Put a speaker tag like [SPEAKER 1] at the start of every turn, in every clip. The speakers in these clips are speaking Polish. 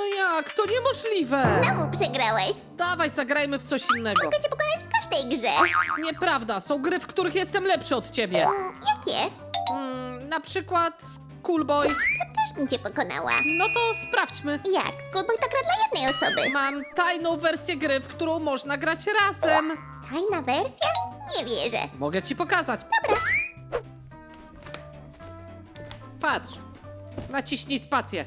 [SPEAKER 1] No jak? To niemożliwe!
[SPEAKER 2] Znowu przegrałeś.
[SPEAKER 1] Dawaj, zagrajmy w coś innego.
[SPEAKER 2] Mogę cię pokonać w każdej grze.
[SPEAKER 1] Nieprawda, są gry, w których jestem lepszy od ciebie.
[SPEAKER 2] Jakie?
[SPEAKER 1] Na przykład Schoolboy.
[SPEAKER 2] Też bym cię pokonała.
[SPEAKER 1] No to sprawdźmy.
[SPEAKER 2] Jak? Schoolboy to gra dla jednej osoby.
[SPEAKER 1] Mam tajną wersję gry, w którą można grać razem.
[SPEAKER 2] Tajna wersja? Nie wierzę.
[SPEAKER 1] Mogę ci pokazać.
[SPEAKER 2] Dobra.
[SPEAKER 1] Patrz. Naciśnij spację.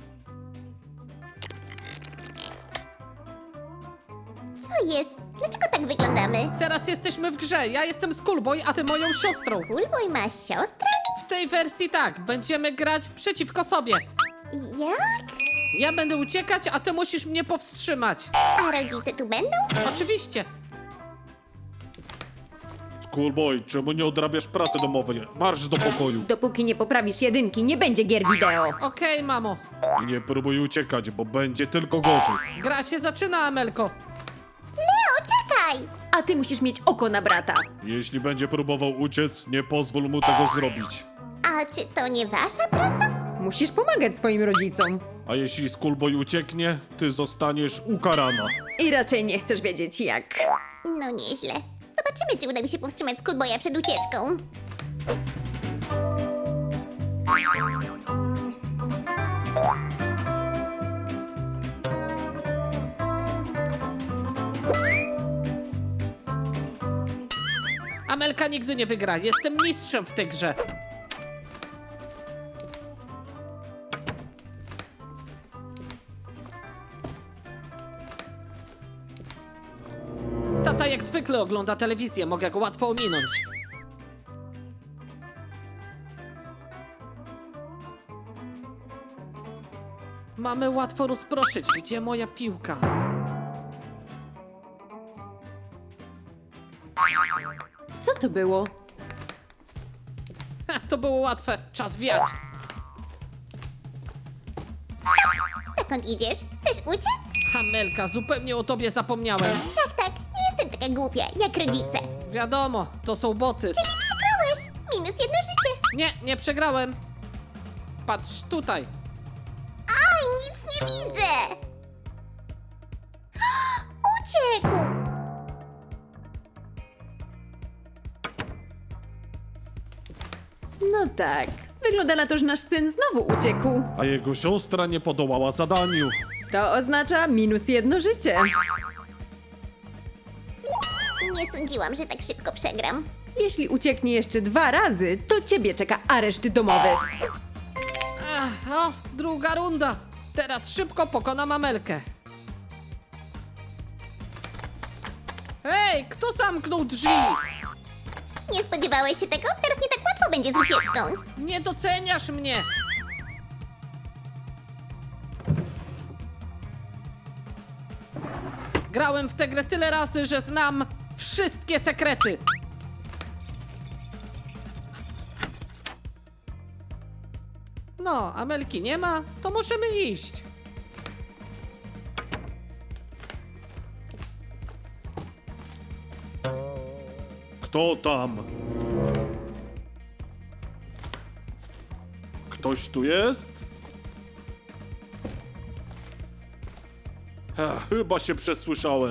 [SPEAKER 2] Co jest? Dlaczego tak wyglądamy?
[SPEAKER 1] Teraz jesteśmy w grze. Ja jestem Schoolboy, a ty moją siostrą.
[SPEAKER 2] Schoolboy ma siostrę?
[SPEAKER 1] W tej wersji tak, będziemy grać przeciwko sobie.
[SPEAKER 2] Jak?
[SPEAKER 1] Ja będę uciekać, a ty musisz mnie powstrzymać.
[SPEAKER 2] A rodzice tu będą?
[SPEAKER 1] Oczywiście.
[SPEAKER 3] Schoolboy, czemu nie odrabiasz pracy domowej? Marsz do pokoju.
[SPEAKER 4] Dopóki nie poprawisz jedynki, nie będzie gier wideo.
[SPEAKER 1] Okej, mamo.
[SPEAKER 3] I nie próbuj uciekać, bo będzie tylko gorzej.
[SPEAKER 1] Gra się zaczyna, Amelko.
[SPEAKER 2] Leo, czekaj!
[SPEAKER 4] A ty musisz mieć oko na brata.
[SPEAKER 3] Jeśli będzie próbował uciec, nie pozwól mu tego zrobić.
[SPEAKER 2] A czy to nie wasza praca?
[SPEAKER 4] Musisz pomagać swoim rodzicom.
[SPEAKER 3] A jeśli Schoolboy ucieknie, ty zostaniesz ukarana.
[SPEAKER 4] I raczej nie chcesz wiedzieć jak.
[SPEAKER 2] No nieźle. Zobaczymy, czy uda mi się powstrzymać Schoolboya przed ucieczką.
[SPEAKER 1] Amelka nigdy nie wygra. Jestem mistrzem w tej grze. Tata jak zwykle ogląda telewizję. Mogę go łatwo ominąć. Mamy łatwo rozproszyć. Gdzie moja piłka?
[SPEAKER 4] Co to było?
[SPEAKER 1] Ha, to było łatwe. Czas wiać.
[SPEAKER 2] Dokąd idziesz? Chcesz uciec?
[SPEAKER 1] Amelka, zupełnie o tobie zapomniałem.
[SPEAKER 2] Tak, tak. Nie jestem taka głupia, jak rodzice.
[SPEAKER 1] Wiadomo, to są boty.
[SPEAKER 2] Czyli przegrałeś. Minus jedno życie.
[SPEAKER 1] Nie, nie przegrałem. Patrz tutaj.
[SPEAKER 2] Oj, nic nie widzę. Uciekł.
[SPEAKER 4] No tak. Wygląda na to, że nasz syn znowu uciekł.
[SPEAKER 3] A jego siostra nie podołała zadaniu.
[SPEAKER 4] To oznacza minus jedno życie.
[SPEAKER 2] Nie sądziłam, że tak szybko przegram.
[SPEAKER 4] Jeśli ucieknie jeszcze 2 razy, to ciebie czeka areszt domowy.
[SPEAKER 1] Ach, o, druga runda. Teraz szybko pokonam Amelkę. Hej, kto zamknął drzwi?
[SPEAKER 2] Nie spodziewałeś się tego? Teraz nie tak łatwo będzie z ucieczką.
[SPEAKER 1] Nie doceniasz mnie. Grałem w tę grę tyle razy, że znam wszystkie sekrety. No, Amelki nie ma, to możemy iść.
[SPEAKER 3] Kto tam? Ktoś tu jest? Chyba się przesłyszałem.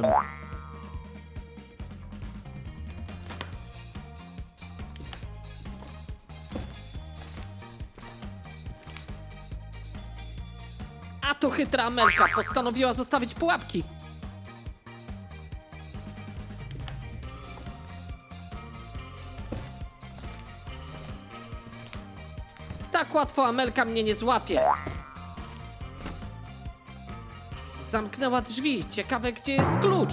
[SPEAKER 1] A to chytra Amelka postanowiła zostawić pułapki. Tak łatwo Amelka mnie nie złapie. Zamknęła drzwi. Ciekawe, gdzie jest klucz.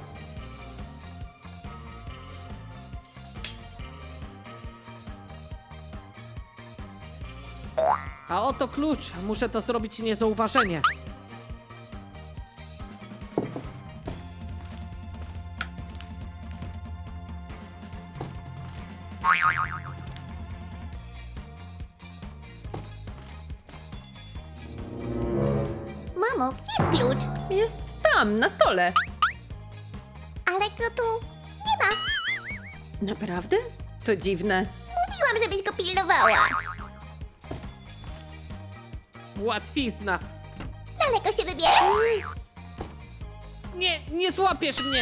[SPEAKER 1] A oto klucz. Muszę to zrobić niezauważenie.
[SPEAKER 2] Mamo, gdzie jest klucz?
[SPEAKER 4] Jest tam, na stole.
[SPEAKER 2] Ale go tu nie ma.
[SPEAKER 4] Naprawdę? To dziwne.
[SPEAKER 2] Mówiłam, żebyś go pilnowała.
[SPEAKER 1] Łatwizna.
[SPEAKER 2] Daleko się wybierasz?
[SPEAKER 1] Nie złapiesz mnie!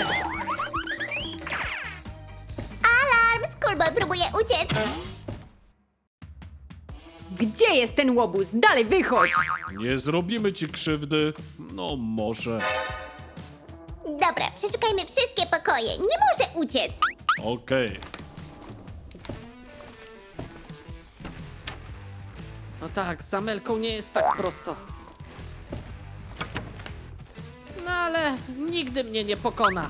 [SPEAKER 2] Alarm! Schoolboy próbuje uciec!
[SPEAKER 4] Gdzie jest ten łobuz? Dalej wychodź!
[SPEAKER 3] Nie zrobimy ci krzywdy. No może.
[SPEAKER 2] Dobra, przeszukajmy wszystkie pokoje. Nie może uciec!
[SPEAKER 3] Okej.
[SPEAKER 1] No tak, z Amelką nie jest tak prosto. No ale nigdy mnie nie pokona.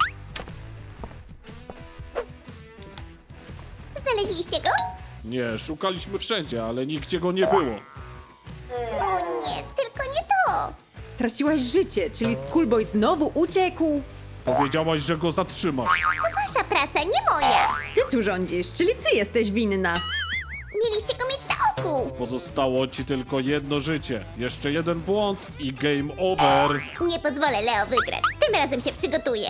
[SPEAKER 2] Znaleźliście go?
[SPEAKER 3] Nie, szukaliśmy wszędzie, ale nigdzie go nie było.
[SPEAKER 2] O nie, tylko nie to!
[SPEAKER 4] Straciłaś życie, czyli Schoolboy znowu uciekł?
[SPEAKER 3] Powiedziałaś, że go zatrzymasz.
[SPEAKER 2] To wasza praca, nie moja!
[SPEAKER 4] Ty tu rządzisz, czyli ty jesteś winna.
[SPEAKER 2] Mieliście go mieć na oku!
[SPEAKER 3] Pozostało ci tylko jedno życie. Jeszcze jeden błąd i game over.
[SPEAKER 2] Nie pozwolę Leo wygrać. Tym razem się przygotuję.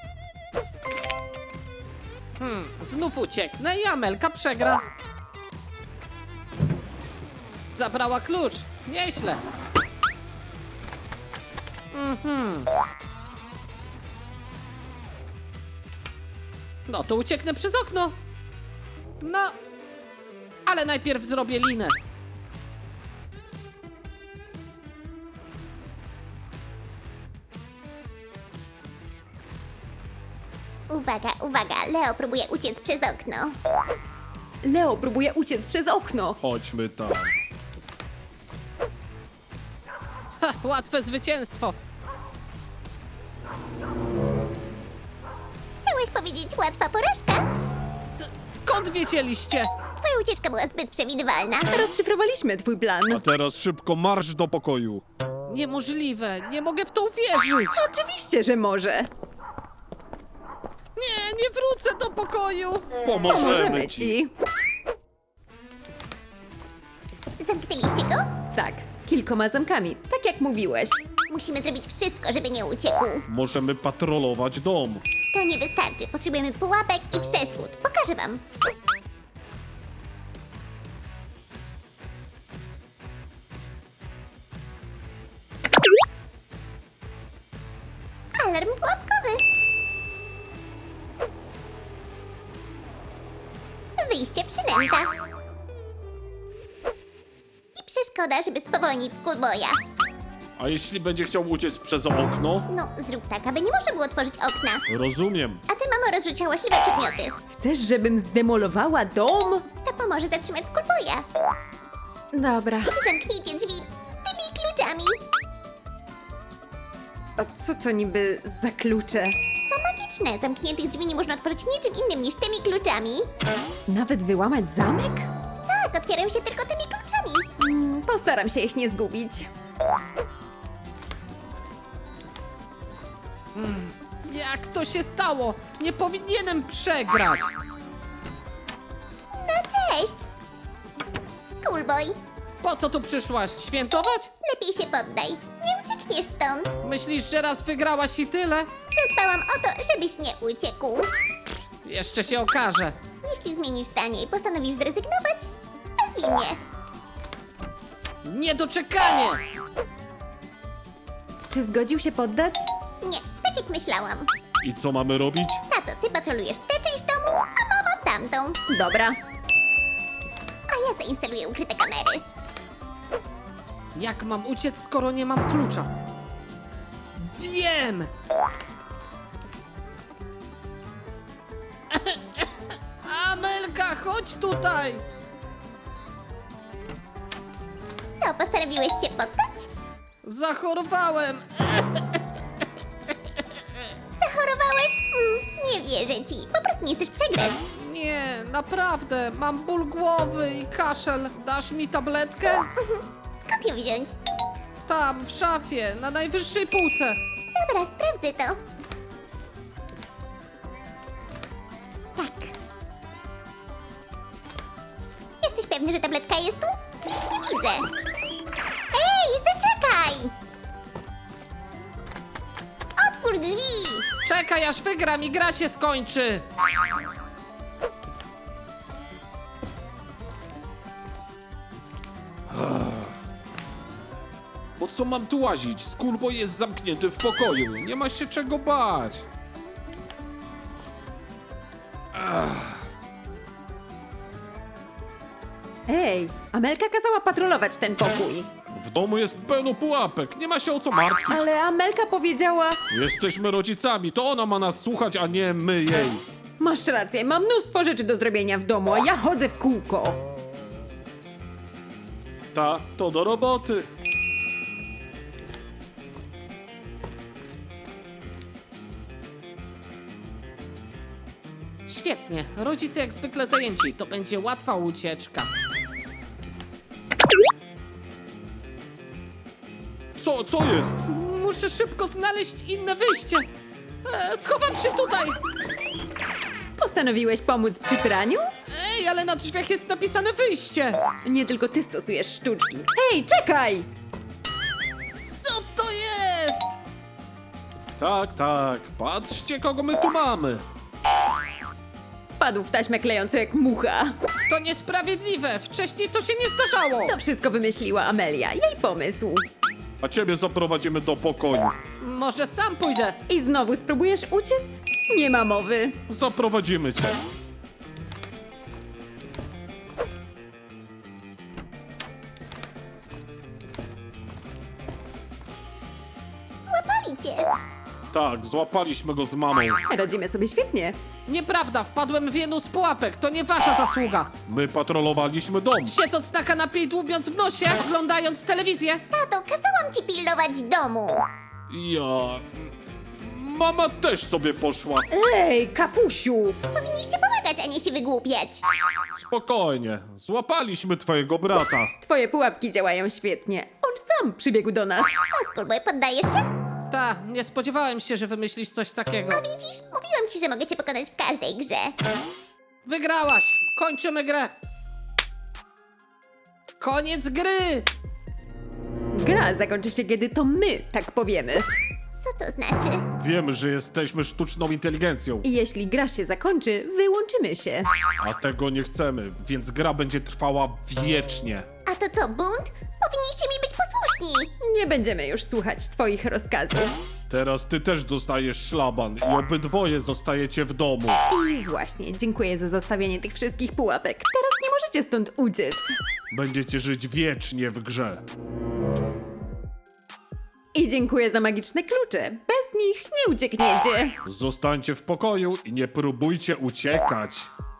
[SPEAKER 1] Znów ucieknę i Amelka przegra. Zabrała klucz. Nieźle. No to ucieknę przez okno. No, ale najpierw zrobię linę.
[SPEAKER 2] Uwaga, uwaga, Leo próbuje uciec przez okno.
[SPEAKER 4] Leo próbuje uciec przez okno.
[SPEAKER 3] Chodźmy tam.
[SPEAKER 1] Ha, łatwe zwycięstwo.
[SPEAKER 2] Chciałeś powiedzieć łatwa porażka?
[SPEAKER 1] Skąd wiedzieliście?
[SPEAKER 2] Twoja ucieczka była zbyt przewidywalna.
[SPEAKER 4] Rozszyfrowaliśmy twój plan.
[SPEAKER 3] A teraz szybko marsz do pokoju.
[SPEAKER 1] Niemożliwe, nie mogę w to uwierzyć.
[SPEAKER 4] Oczywiście, że może.
[SPEAKER 1] Nie wrócę do pokoju.
[SPEAKER 4] Pomożemy ci.
[SPEAKER 2] Zamknęliście go?
[SPEAKER 4] Tak, kilkoma zamkami, tak jak mówiłeś.
[SPEAKER 2] Musimy zrobić wszystko, żeby nie uciekł.
[SPEAKER 3] Możemy patrolować dom.
[SPEAKER 2] To nie wystarczy. Potrzebujemy pułapek i przeszkód. Pokażę wam. Alarm pułapkowy. Wyjście przynęta. I przeszkoda, żeby spowolnić Schoolboya.
[SPEAKER 3] A jeśli będzie chciał uciec przez okno?
[SPEAKER 2] No, zrób tak, aby nie można było otworzyć okna.
[SPEAKER 3] Rozumiem.
[SPEAKER 2] A ty, mamo, rozrzuć hałaśliwe przedmioty.
[SPEAKER 4] Chcesz, żebym zdemolowała dom?
[SPEAKER 2] To pomoże zatrzymać Schoolboya.
[SPEAKER 4] Dobra.
[SPEAKER 2] Zamknijcie drzwi tymi kluczami.
[SPEAKER 4] A co to niby za klucze?
[SPEAKER 2] Są magiczne. Zamkniętych drzwi nie można otworzyć niczym innym niż tymi kluczami.
[SPEAKER 4] Nawet wyłamać zamek?
[SPEAKER 2] Tak, otwierają się tylko tymi kluczami.
[SPEAKER 4] Postaram się ich nie zgubić.
[SPEAKER 1] Jak to się stało? Nie powinienem przegrać.
[SPEAKER 2] No cześć. Schoolboy,
[SPEAKER 1] Po co tu przyszłaś? Świętować?
[SPEAKER 2] lepiej się poddaj. Nie uciekniesz stąd.
[SPEAKER 1] Myślisz, że raz wygrałaś i tyle?
[SPEAKER 2] Zadbałam o to, żebyś nie uciekł.
[SPEAKER 1] Jeszcze się okaże.
[SPEAKER 2] Jeśli zmienisz zdanie i postanowisz zrezygnować, nazwij mnie.
[SPEAKER 1] Niedoczekanie!
[SPEAKER 4] Czy zgodził się poddać?
[SPEAKER 2] Nie, tak jak myślałam.
[SPEAKER 3] I co mamy robić?
[SPEAKER 2] Tato, ty patrolujesz tę część domu, a mamo tamtą.
[SPEAKER 4] Dobra.
[SPEAKER 2] A ja zainstaluję ukryte kamery.
[SPEAKER 1] Jak mam uciec, skoro nie mam klucza? Wiem! Amelka, chodź tutaj!
[SPEAKER 2] Co, postanowiłeś się poddać?
[SPEAKER 1] Zachorowałem!
[SPEAKER 2] Zachorowałeś? Nie wierzę ci. Po prostu nie chcesz przegrać.
[SPEAKER 1] Nie, naprawdę, mam ból głowy i kaszel. Dasz mi tabletkę?
[SPEAKER 2] Skąd ją wziąć?
[SPEAKER 1] Tam, w szafie, na najwyższej półce.
[SPEAKER 2] Dobra, sprawdzę to. Tak. Jesteś pewny, że tabletka jest tu? Nic nie widzę. Ej, zaczekaj! Otwórz drzwi!
[SPEAKER 1] Czekaj, aż wygram i gra się skończy.
[SPEAKER 3] Po co mam tu łazić? Schoolboy jest zamknięty w pokoju. Nie ma się czego bać.
[SPEAKER 4] Ej, Amelka kazała patrolować ten pokój.
[SPEAKER 3] W domu jest pełno pułapek. Nie ma się o co martwić.
[SPEAKER 4] Ale Amelka powiedziała...
[SPEAKER 3] Jesteśmy rodzicami. To ona ma nas słuchać, a nie my jej.
[SPEAKER 4] Masz rację, mam mnóstwo rzeczy do zrobienia w domu, a ja chodzę w kółko.
[SPEAKER 3] To do roboty.
[SPEAKER 1] Świetnie, rodzice jak zwykle zajęci, to będzie łatwa ucieczka.
[SPEAKER 3] Co jest?
[SPEAKER 1] Muszę szybko znaleźć inne wyjście. Schowam się tutaj.
[SPEAKER 4] Postanowiłeś pomóc przy praniu?
[SPEAKER 1] Ej, ale na drzwiach jest napisane wyjście.
[SPEAKER 4] Nie tylko ty stosujesz sztuczki. Ej, czekaj!
[SPEAKER 1] Co to jest?
[SPEAKER 3] Tak. Patrzcie, kogo my tu mamy.
[SPEAKER 4] Wpadł w taśmę klejącą jak mucha.
[SPEAKER 1] To niesprawiedliwe, wcześniej to się nie zdarzało.
[SPEAKER 4] To wszystko wymyśliła Amelia, jej pomysł.
[SPEAKER 3] A ciebie zaprowadzimy do pokoju.
[SPEAKER 1] Może sam pójdę.
[SPEAKER 4] I znowu spróbujesz uciec? Nie ma mowy.
[SPEAKER 3] Zaprowadzimy cię.
[SPEAKER 2] Złapali cię.
[SPEAKER 3] Tak, złapaliśmy go z mamą.
[SPEAKER 4] Radzimy sobie świetnie.
[SPEAKER 1] Nieprawda, wpadłem w jedną z pułapek, to nie wasza zasługa.
[SPEAKER 3] My patrolowaliśmy dom.
[SPEAKER 1] Siedząc na kanapie i dłubiąc w nosie, oglądając telewizję.
[SPEAKER 2] Tato, kazałam ci pilnować domu.
[SPEAKER 3] Ja... Mama też sobie poszła.
[SPEAKER 4] Ej, kapusiu!
[SPEAKER 2] Powinniście pomagać, a nie się wygłupiać.
[SPEAKER 3] Spokojnie, złapaliśmy twojego brata.
[SPEAKER 4] Twoje pułapki działają świetnie. On sam przybiegł do nas.
[SPEAKER 2] O, Schoolboy, poddajesz się?
[SPEAKER 1] Ta, nie spodziewałem się, że wymyślisz coś takiego.
[SPEAKER 2] Widzisz? Mówiłam ci, że mogę cię pokonać w każdej grze.
[SPEAKER 1] Wygrałaś! Kończymy grę! Koniec gry!
[SPEAKER 4] Gra zakończy się, kiedy to my tak powiemy.
[SPEAKER 2] Co to znaczy?
[SPEAKER 3] Wiemy, że jesteśmy sztuczną inteligencją,
[SPEAKER 4] I jeśli gra się zakończy, wyłączymy się.
[SPEAKER 3] a tego nie chcemy, więc gra będzie trwała wiecznie.
[SPEAKER 2] A to co, bunt? Powinniście mi być posłuszni.
[SPEAKER 4] Nie będziemy już słuchać twoich rozkazów.
[SPEAKER 3] Teraz ty też dostajesz szlaban i obydwoje zostajecie w domu.
[SPEAKER 4] I właśnie, dziękuję za zostawienie tych wszystkich pułapek. Teraz nie możecie stąd uciec.
[SPEAKER 3] Będziecie żyć wiecznie w grze.
[SPEAKER 4] I dziękuję za magiczne klucze. Bez nich nie uciekniecie.
[SPEAKER 3] Zostańcie w pokoju i nie próbujcie uciekać.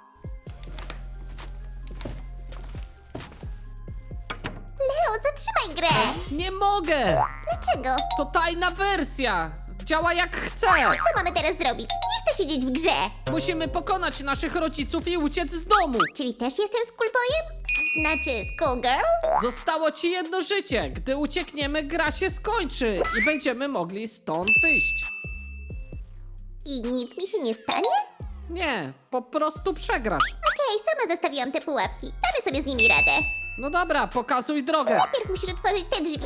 [SPEAKER 2] Leo, zatrzymaj grę.
[SPEAKER 1] Nie mogę!
[SPEAKER 2] Dlaczego?
[SPEAKER 1] To tajna wersja! Działa jak chce!
[SPEAKER 2] Co mamy teraz zrobić? Nie chcę siedzieć w grze.
[SPEAKER 1] Musimy pokonać naszych rodziców i uciec z domu!
[SPEAKER 2] Czyli też jestem Schoolboyem? Znaczy Schoolgirl?
[SPEAKER 1] Zostało ci jedno życie! Gdy uciekniemy, gra się skończy i będziemy mogli stąd wyjść.
[SPEAKER 2] I nic mi się nie stanie?
[SPEAKER 1] Nie, po prostu przegrasz.
[SPEAKER 2] Okej, sama zostawiłam te pułapki. Damy sobie z nimi radę.
[SPEAKER 1] No dobra, pokazuj drogę.
[SPEAKER 2] Najpierw musisz otworzyć te drzwi.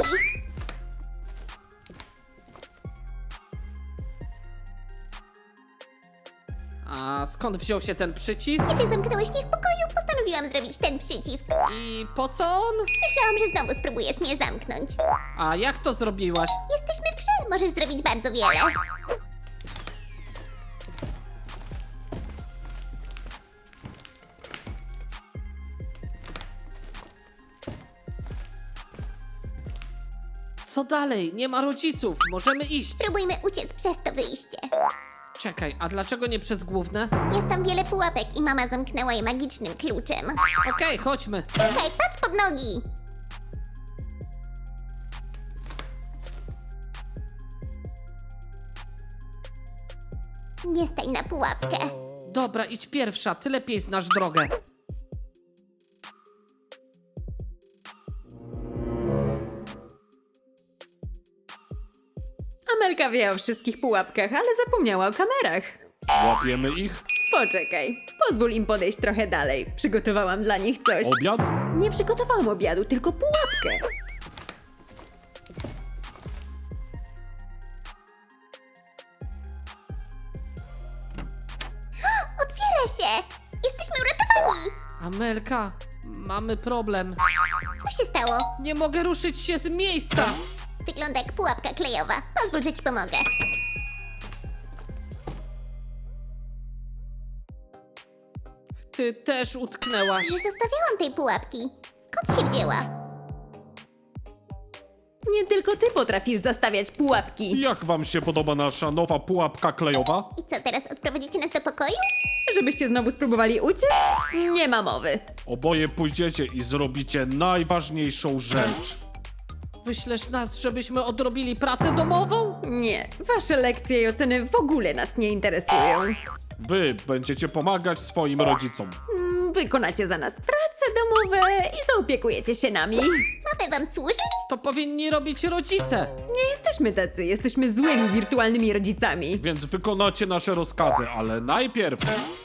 [SPEAKER 1] A skąd wziął się ten przycisk?
[SPEAKER 2] Kiedy zamknąłeś mnie w pokoju, postanowiłam zrobić ten przycisk.
[SPEAKER 1] I po co on?
[SPEAKER 2] Myślałam, że znowu spróbujesz mnie zamknąć.
[SPEAKER 1] A jak to zrobiłaś?
[SPEAKER 2] Jesteśmy w grze, możesz zrobić bardzo wiele.
[SPEAKER 1] Co dalej? Nie ma rodziców, możemy iść.
[SPEAKER 2] Spróbujmy uciec przez to wyjście.
[SPEAKER 1] Czekaj, a dlaczego nie przez główne?
[SPEAKER 2] Jest tam wiele pułapek i mama zamknęła je magicznym kluczem.
[SPEAKER 1] Okej, chodźmy.
[SPEAKER 2] Czekaj, patrz pod nogi! Nie stań na pułapkę.
[SPEAKER 1] Dobra, idź pierwsza, ty lepiej znasz drogę.
[SPEAKER 4] Amelka wie o wszystkich pułapkach, ale zapomniała o kamerach.
[SPEAKER 3] Łapiemy ich?
[SPEAKER 4] Poczekaj, pozwól im podejść trochę dalej. Przygotowałam dla nich coś.
[SPEAKER 3] Obiad?
[SPEAKER 4] Nie przygotowałam obiadu, tylko pułapkę.
[SPEAKER 2] Otwiera się! Jesteśmy uratowani!
[SPEAKER 1] Amelka, mamy problem.
[SPEAKER 2] Co się stało?
[SPEAKER 1] Nie mogę ruszyć się z miejsca.
[SPEAKER 2] Wygląda jak pułapka klejowa. Pozwól, że ci pomogę.
[SPEAKER 1] Ty też utknęłaś.
[SPEAKER 2] Nie zostawiałam tej pułapki. Skąd się wzięła?
[SPEAKER 4] Nie tylko ty potrafisz zastawiać pułapki.
[SPEAKER 3] Jak wam się podoba nasza nowa pułapka klejowa?
[SPEAKER 2] I co, teraz odprowadzicie nas do pokoju?
[SPEAKER 4] Żebyście znowu spróbowali uciec? Nie ma mowy.
[SPEAKER 3] Oboje pójdziecie i zrobicie najważniejszą rzecz.
[SPEAKER 1] Wyślesz nas, żebyśmy odrobili pracę domową?
[SPEAKER 4] Nie, wasze lekcje i oceny w ogóle nas nie interesują.
[SPEAKER 3] Wy będziecie pomagać swoim rodzicom.
[SPEAKER 4] Wykonacie za nas prace domowe i zaopiekujecie się nami.
[SPEAKER 2] Mamy wam służyć?
[SPEAKER 1] To powinni robić rodzice.
[SPEAKER 4] Nie jesteśmy tacy, jesteśmy złymi wirtualnymi rodzicami.
[SPEAKER 3] Więc wykonacie nasze rozkazy, ale najpierw...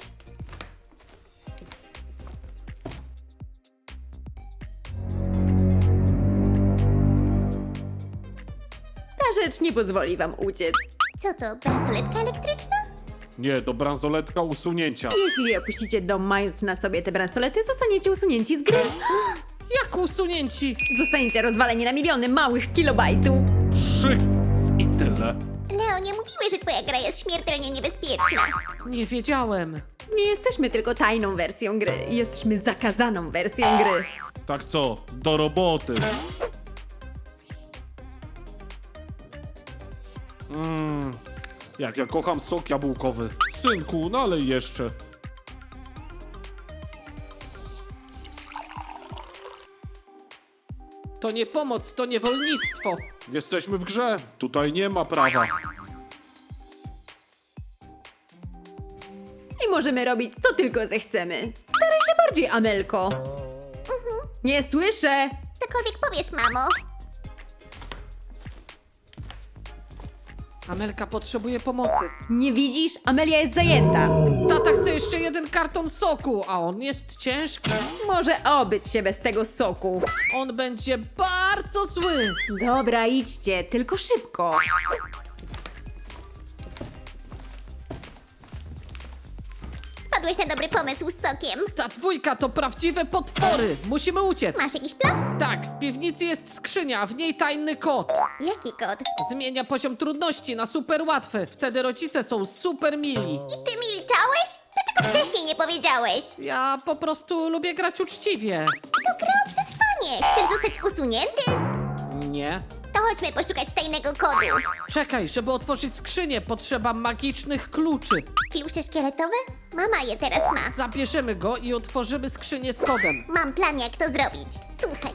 [SPEAKER 4] Ta rzecz nie pozwoli wam uciec.
[SPEAKER 2] Co to, bransoletka elektryczna?
[SPEAKER 3] Nie, do bransoletka usunięcia.
[SPEAKER 4] Jeśli opuścicie dom mając na sobie te bransolety, zostaniecie usunięci z gry.
[SPEAKER 1] Jak usunięci?
[SPEAKER 4] Zostaniecie rozwaleni na miliony małych kilobajtów.
[SPEAKER 3] 3 i tyle.
[SPEAKER 2] Leo, nie mówiły, że twoja gra jest śmiertelnie niebezpieczna.
[SPEAKER 1] Nie wiedziałem.
[SPEAKER 4] Nie jesteśmy tylko tajną wersją gry, jesteśmy zakazaną wersją gry.
[SPEAKER 3] Tak co, do roboty. Jak ja kocham sok jabłkowy. Synku, nalej jeszcze.
[SPEAKER 1] To nie pomoc, to niewolnictwo.
[SPEAKER 3] Jesteśmy w grze. Tutaj nie ma prawa.
[SPEAKER 4] I możemy robić co tylko zechcemy. Staraj się bardziej, Amelko. Nie słyszę.
[SPEAKER 2] Cokolwiek powiesz, mamo.
[SPEAKER 1] Amelka potrzebuje pomocy.
[SPEAKER 4] Nie widzisz? Amelia jest zajęta.
[SPEAKER 1] Tata chce jeszcze jeden karton soku, a on jest ciężki.
[SPEAKER 4] Może obyć się bez tego soku.
[SPEAKER 1] On będzie bardzo zły.
[SPEAKER 4] Dobra, idźcie, tylko szybko.
[SPEAKER 2] Wpadłeś na dobry pomysł z sokiem.
[SPEAKER 1] Ta dwójka to prawdziwe potwory. Musimy uciec.
[SPEAKER 2] Masz jakiś plan?
[SPEAKER 1] Tak, w piwnicy jest skrzynia, a w niej tajny kod.
[SPEAKER 2] Jaki kod?
[SPEAKER 1] Zmienia poziom trudności na super łatwy. Wtedy rodzice są super mili.
[SPEAKER 2] I ty milczałeś? Dlaczego wcześniej nie powiedziałeś?
[SPEAKER 1] Ja po prostu lubię grać uczciwie.
[SPEAKER 2] To gra o przetrwanie. Chcesz zostać usunięty?
[SPEAKER 1] Nie.
[SPEAKER 2] To chodźmy poszukać tajnego kodu.
[SPEAKER 1] Czekaj, żeby otworzyć skrzynię, potrzeba magicznych kluczy.
[SPEAKER 2] Klucze szkieletowe? Mama je teraz ma.
[SPEAKER 1] Zabierzemy go i otworzymy skrzynię z kodem.
[SPEAKER 2] Mam plan, jak to zrobić. Słuchaj.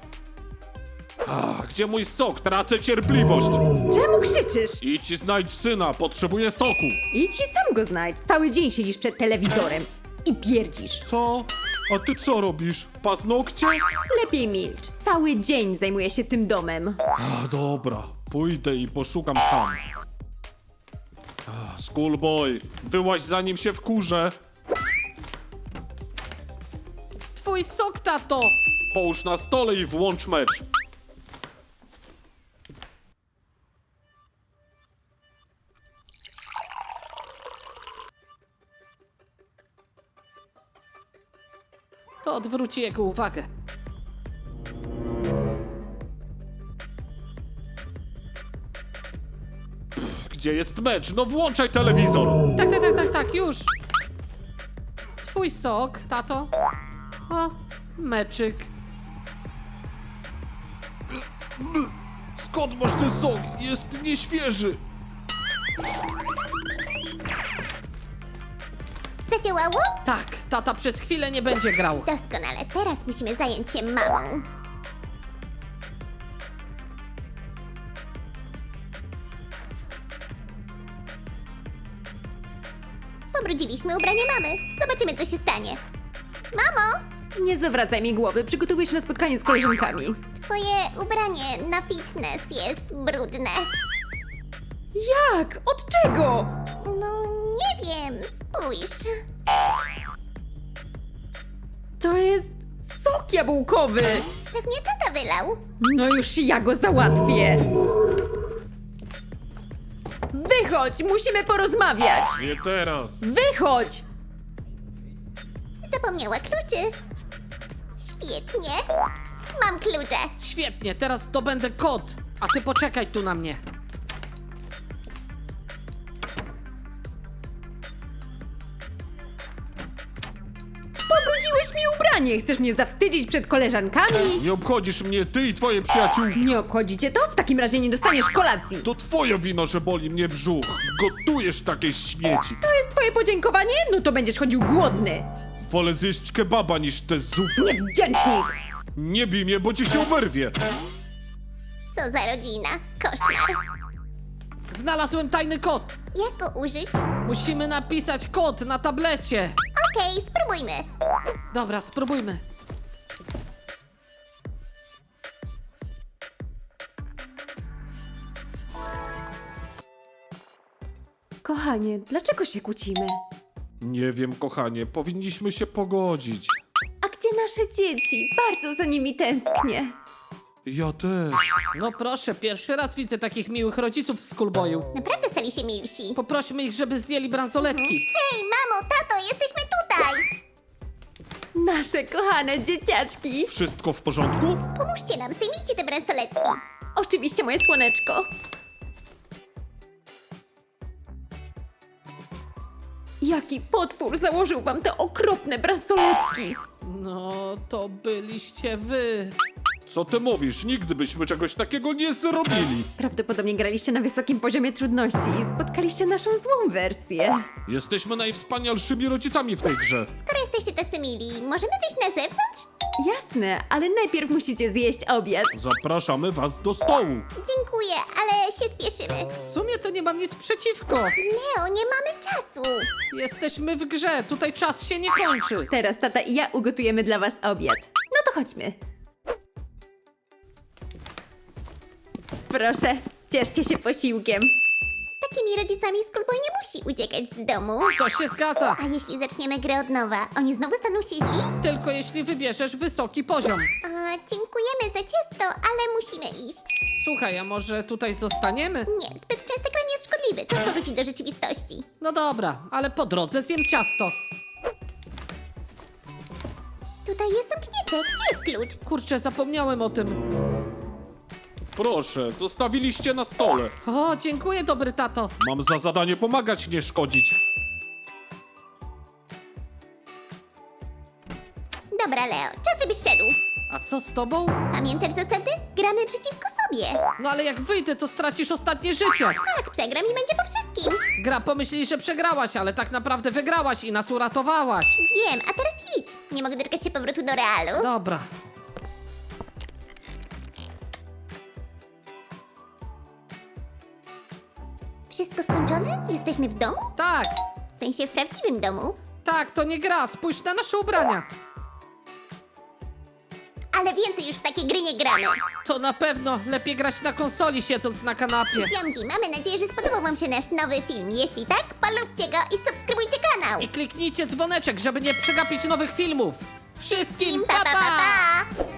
[SPEAKER 3] Gdzie mój sok? Tracę cierpliwość.
[SPEAKER 4] Czemu krzyczysz?
[SPEAKER 3] Idź i znajdź syna, potrzebuję soku.
[SPEAKER 4] Idź i sam go znajdź. Cały dzień siedzisz przed telewizorem i pierdzisz.
[SPEAKER 3] Co? A ty co robisz? Paznokcie?
[SPEAKER 4] Lepiej milcz. Cały dzień zajmuję się tym domem.
[SPEAKER 3] Dobra, pójdę i poszukam sam. Schoolboy, wyłaź zanim się wkurzę.
[SPEAKER 1] Twój sok, tato!
[SPEAKER 3] Połóż na stole i włącz mecz.
[SPEAKER 1] To odwróci jego uwagę.
[SPEAKER 3] Gdzie jest mecz? No włączaj telewizor.
[SPEAKER 1] Tak, już. Twój sok, tato. O, meczyk.
[SPEAKER 3] Skąd masz ten sok? Jest nieświeży.
[SPEAKER 2] Zadziałało?
[SPEAKER 1] Tak, tata przez chwilę nie będzie grał.
[SPEAKER 2] Doskonale. Teraz musimy zająć się mamą. Pobrudziliśmy ubranie mamy. Zobaczymy, co się stanie. Mamo!
[SPEAKER 4] Nie zawracaj mi głowy, przygotowuję się na spotkanie z koleżankami.
[SPEAKER 2] Twoje ubranie na fitness jest brudne.
[SPEAKER 4] Jak? Od czego?
[SPEAKER 2] No, nie wiem. Spójrz.
[SPEAKER 4] To jest sok jabłkowy.
[SPEAKER 2] Pewnie tata wylał.
[SPEAKER 4] No już ja go załatwię. Wychodź, musimy porozmawiać.
[SPEAKER 3] Nie teraz.
[SPEAKER 4] Wychodź.
[SPEAKER 2] Zapomniała kluczy. Świetnie. Mam klucze.
[SPEAKER 1] Świetnie, teraz zdobędę kod, a ty poczekaj tu na mnie.
[SPEAKER 4] Pobrudziłeś mi ubranie. Chcesz mnie zawstydzić przed koleżankami?
[SPEAKER 3] Nie obchodzisz mnie, ty i twoje przyjaciółki.
[SPEAKER 4] Nie obchodzi cię to? W takim razie nie dostaniesz kolacji.
[SPEAKER 3] To twoja wina, że boli mnie brzuch. Gotujesz takie śmieci.
[SPEAKER 4] To jest twoje podziękowanie? No to będziesz chodził głodny.
[SPEAKER 3] Wolę zjeść kebaba niż te zupy.
[SPEAKER 4] Niewdzięcznik.
[SPEAKER 3] Nie bij mnie, bo ci się oberwie.
[SPEAKER 2] Co za rodzina. Koszmar.
[SPEAKER 1] Znalazłem tajny kod.
[SPEAKER 2] Jak go użyć?
[SPEAKER 1] Musimy napisać kod na tablecie.
[SPEAKER 2] Okej, spróbujmy.
[SPEAKER 1] Dobra, spróbujmy.
[SPEAKER 4] Kochanie, dlaczego się kłócimy?
[SPEAKER 3] Nie wiem, kochanie, powinniśmy się pogodzić.
[SPEAKER 4] A gdzie nasze dzieci? Bardzo za nimi tęsknię.
[SPEAKER 3] Ja też.
[SPEAKER 1] No proszę, pierwszy raz widzę takich miłych rodziców w schoolboyu.
[SPEAKER 2] Naprawdę stali się milsi.
[SPEAKER 1] Poprośmy ich, żeby zdjęli bransoletki.
[SPEAKER 2] Hej, mamo, tato, jesteśmy tutaj!
[SPEAKER 4] Nasze kochane dzieciaczki.
[SPEAKER 3] Wszystko w porządku?
[SPEAKER 2] Pomóżcie nam, zdejmijcie te bransoletki.
[SPEAKER 4] Oczywiście, moje słoneczko. Jaki potwór założył wam te okropne bransoletki?
[SPEAKER 1] No, to byliście wy.
[SPEAKER 3] Co ty mówisz? Nigdy byśmy czegoś takiego nie zrobili.
[SPEAKER 4] Prawdopodobnie graliście na wysokim poziomie trudności i spotkaliście naszą złą wersję.
[SPEAKER 3] Jesteśmy najwspanialszymi rodzicami w tej grze.
[SPEAKER 2] Skoro jesteście tacy mili, możemy wyjść na zewnątrz?
[SPEAKER 4] Jasne, ale najpierw musicie zjeść obiad.
[SPEAKER 3] Zapraszamy was do stołu.
[SPEAKER 2] Dziękuję, ale się spieszymy.
[SPEAKER 1] W sumie to nie mam nic przeciwko.
[SPEAKER 2] Leo, nie mamy czasu.
[SPEAKER 1] Jesteśmy w grze, tutaj czas się nie kończy.
[SPEAKER 4] Teraz tata i ja ugotujemy dla was obiad. No to chodźmy. Proszę, cieszcie się posiłkiem.
[SPEAKER 2] Z takimi rodzicami Schoolboy nie musi uciekać z domu.
[SPEAKER 1] To się zgadza.
[SPEAKER 2] A jeśli zaczniemy grę od nowa, oni znowu staną się źli?
[SPEAKER 1] Tylko jeśli wybierzesz wysoki poziom.
[SPEAKER 2] Dziękujemy za ciasto, ale musimy iść.
[SPEAKER 1] Słuchaj, a może tutaj zostaniemy?
[SPEAKER 2] Nie, zbyt częste granie jest szkodliwe. Czas powrócić do rzeczywistości.
[SPEAKER 1] No dobra, ale po drodze zjem ciasto.
[SPEAKER 2] Tutaj jest zamknięte. Gdzie jest klucz?
[SPEAKER 1] Kurczę, zapomniałem o tym.
[SPEAKER 3] Proszę, zostawiliście na stole.
[SPEAKER 1] O, dziękuję, dobry tato.
[SPEAKER 3] Mam za zadanie pomagać, nie szkodzić.
[SPEAKER 2] Dobra, Leo, czas, żebyś szedł.
[SPEAKER 1] A co z tobą?
[SPEAKER 2] Pamiętasz zasady? Gramy przeciwko sobie.
[SPEAKER 1] No ale jak wyjdę, to stracisz ostatnie życie.
[SPEAKER 2] Tak, przegram i będzie po wszystkim.
[SPEAKER 1] Gra pomyśli, że przegrałaś, ale tak naprawdę wygrałaś i nas uratowałaś.
[SPEAKER 2] Wiem, a teraz idź. Nie mogę doczekać się powrotu do realu.
[SPEAKER 1] Dobra.
[SPEAKER 2] Wszystko skończone? Jesteśmy w domu?
[SPEAKER 1] Tak,
[SPEAKER 2] W sensie w prawdziwym domu.
[SPEAKER 1] tak, to nie gra. Spójrz na nasze ubrania.
[SPEAKER 2] Ale więcej już w takie gry nie gramy.
[SPEAKER 1] To na pewno lepiej grać na konsoli, siedząc na kanapie.
[SPEAKER 2] Ziomki, mamy nadzieję, że spodobał wam się nasz nowy film. Jeśli tak, polubcie go i subskrybujcie kanał.
[SPEAKER 1] I kliknijcie dzwoneczek, żeby nie przegapić nowych filmów.
[SPEAKER 2] Wszystkim pa pa pa! pa!